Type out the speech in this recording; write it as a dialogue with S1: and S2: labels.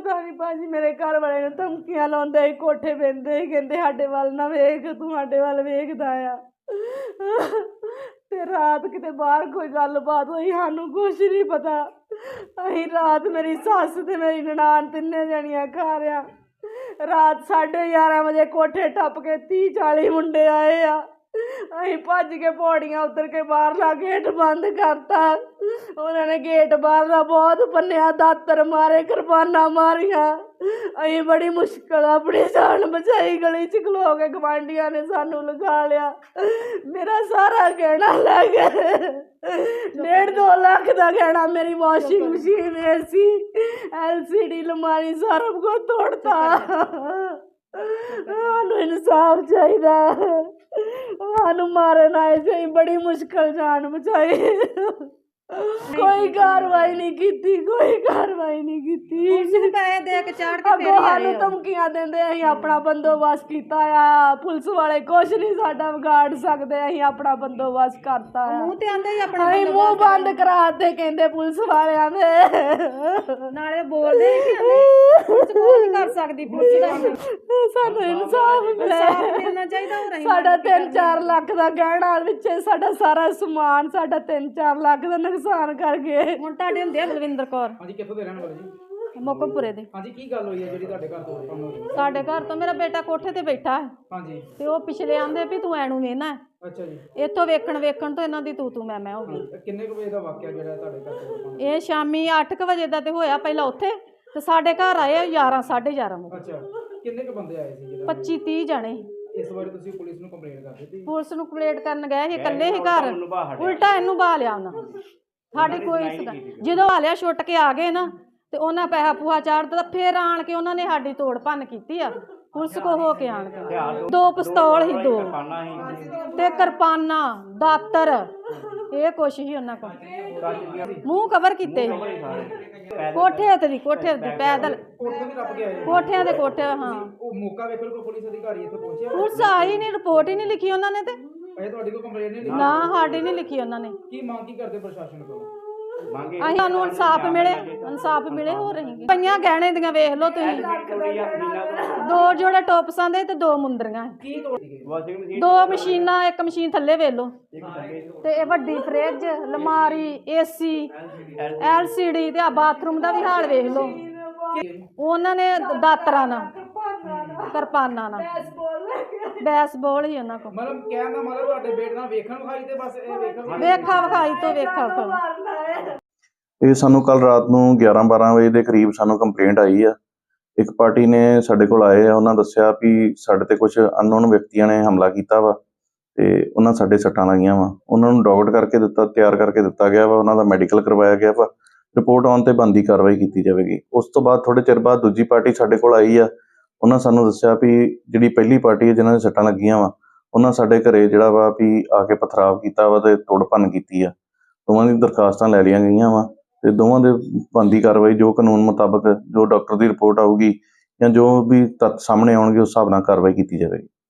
S1: पता नहीं भाजी मेरे घर वाले ने धमकियां लाउंदे ही कोठे बहिंदे ही कहंदे साडे वल ना वेख तू साडे वल वेखदा आ ते रात किते बाहर कोई गलबात होई सानू कुछ नहीं पता। अहीं रात मेरी सस ते मेरी ननान तिन्ने जणियां घर आ रात 11:30 बजे कोठे टप के 30-40 मुंडे आए आ। अहीं भज के पौड़ियां उतर के बाहरला गेट बंद करता। उन्होंने गेट बाहरला बहुत भन्निया दातर मारे कृपाना मारिया। अहीं बड़ी मुश्किल अपनी जान बचाई। गली च खलो के गवांढियां ने सानू लगा लिया। मेरा सारा गहना लै गए 1.5-2 लाख का गहना मेरी वॉशिंग मशीन AC LCD अलमारी सारा कुछ तोड़ता। सानू इंसाफ चाहिए सानू मारन आए थे बड़ी मुश्किल जान बचाई। कोई कार्रवाई नहीं की कोई कार्रवाई नहीं की सानू धमकियां देंदे असीं अपना बंदोबस्त कीता आ। पुलिस वाले कुछ नहीं साडा बिगाड़ सकदे असीं अपना बंदोबस्त करता असीं मुंह बंद कराते कहंदे पुलिस वालियां दे नाले बोलदे पुलिस कोई नहीं कर सकदी पुलिस सानू इंसाफ मिलना चाहिए। साडा 3-4 लाख दा गहना विच साडा सारा समान साडा 3-4 लाख दा नुकसान कर गए। हुण तुहाडे हुंदे बलविंदर कौर हां जी कित्थों दे रहण वाले जी मोकमपुरे दे हां जी की गल होई है जेहड़ी तुहाडे घर तोड़ भन्न होई? साडे घर तो मेरा बेटा कोठे ते बैठा है हां जी ते ओ पिछले आंदे भी तू एनू वेना है अच्छा जी इत्थों वेखण तो इन्हां दी तू मैं हो गई। किन्ने क बजे दा वाकया जेहड़ा तुहाडे घर तोड़ भन्न ए शामी 8 बजे दा ते होया पहला उत्थे ते साडे घर आए 11-11:30 बजे। अच्छा किन्ने क बंदे आए सी? 25-30 जने। इस बारे तुसीं पुलिस नूं कंप्लेंट कर दित्ती? पुलिस नूं कंप्लेंट करन गए ही इकल्ले ही घर उल्टा इनू बहा लिया उन्हां साडी कोई जदों आ लिया छुट के आ गए ना ते उन्हां पैसा पूहा चाड़ दित्ता फिर आण के उन्हां ने साडी तोड़ भन्न कीती आ पुलिस को हो के आण के 2 पिस्तौल ही 2 ते किरपाना दातर ये कुछ ही उन्हां कोल मूँह कवर कीते कोठे उत्ते पैदल कोठियां दे कोठे हाँ पुलिस आई नहीं रिपोर्ट ही नहीं लिखी उन्होंने ते ना साडी नहीं लिखी उन्होंने। इंसाफ मिले हो रही पईयां गहने दियां वेख लो तुसीं 2 जोड़े टोपसां दे ते 2 मुंदरियां 2 मशीनां एक मशीन थल्ले वेख लो ते वड्डी फ्रिज अलमारी AC LCD ते बाथरूम दा भी हाल वेख लो। उन्होंने दातरा ना किरपाना ना बैसबॉल ही उन्हां कोल मतलब कहण दा मतलब तुहाडे बेटे नाल वेखण विखाई ते बस वेखा विखाई तो वेखा
S2: ਇਹ ਸਾਨੂੰ ਕੱਲ ਰਾਤ ਨੂੰ 11-12 ਵਜੇ ਦੇ ਕਰੀਬ ਸਾਨੂੰ ਕੰਪਲੇਂਟ ਆਈ ਆ। ਇੱਕ ਪਾਰਟੀ ਨੇ ਸਾਡੇ ਕੋਲ ਆਏ ਆ ਉਹਨਾਂ ਦੱਸਿਆ ਵੀ ਸਾਡੇ ਤੇ ਕੁਝ ਅਨਨੋਨ ਵਿਅਕਤੀਆਂ ਨੇ ਹਮਲਾ ਕੀਤਾ ਵਾ ਤੇ ਉਹਨਾਂ ਸਾਡੇ ਸੱਟਾਂ ਲੱਗੀਆਂ ਵਾ। ਉਹਨਾਂ ਨੂੰ ਡੌਗਟ ਕਰਕੇ ਦਿੱਤਾ ਤਿਆਰ ਕਰਕੇ ਦਿੱਤਾ ਗਿਆ ਵਾ ਉਹਨਾਂ ਦਾ ਮੈਡੀਕਲ ਕਰਵਾਇਆ ਗਿਆ ਵਾ ਰਿਪੋਰਟ ਆਉਣ ਤੇ ਬਣਦੀ ਕਾਰਵਾਈ ਕੀਤੀ ਜਾਵੇਗੀ। ਉਸ ਤੋਂ ਬਾਅਦ ਥੋੜ੍ਹੇ ਚਿਰ ਬਾਅਦ ਦੂਜੀ ਪਾਰਟੀ ਸਾਡੇ ਕੋਲ ਆਈ ਆ ਉਹਨਾਂ ਸਾਨੂੰ ਦੱਸਿਆ ਵੀ ਜਿਹੜੀ ਪਹਿਲੀ ਪਾਰਟੀ ਹੈ ਜਿਨ੍ਹਾਂ ਦੇ ਸੱਟਾਂ ਲੱਗੀਆਂ ਵਾ ਉਹਨਾਂ ਸਾਡੇ ਘਰੇ ਜਿਹੜਾ ਵਾ ਵੀ ਆ ਕੇ ਪਥਰਾਵ ਕੀਤਾ ਵਾ ਤੇ ਤੋੜ ਭੰਨ ਕੀਤੀ ਆ। ਦੋਵਾਂ ਦੀ ਦਰਖਾਸਤਾਂ ਲੈ ਲਈਆਂ ਗਈਆਂ ਵਾ ਤੇ ਦੋਵਾਂ ਦੇ ਬਣਦੀ ਕਾਰਵਾਈ ਜੋ ਕਾਨੂੰਨ ਮੁਤਾਬਕ ਜੋ ਡਾਕਟਰ ਦੀ ਰਿਪੋਰਟ ਆਊਗੀ ਜਾਂ ਜੋ ਵੀ ਤੱਥ ਸਾਹਮਣੇ ਆਉਣਗੇ ਉਸ ਹਿਸਾਬ ਨਾਲ ਕਾਰਵਾਈ ਕੀਤੀ ਜਾਵੇਗੀ।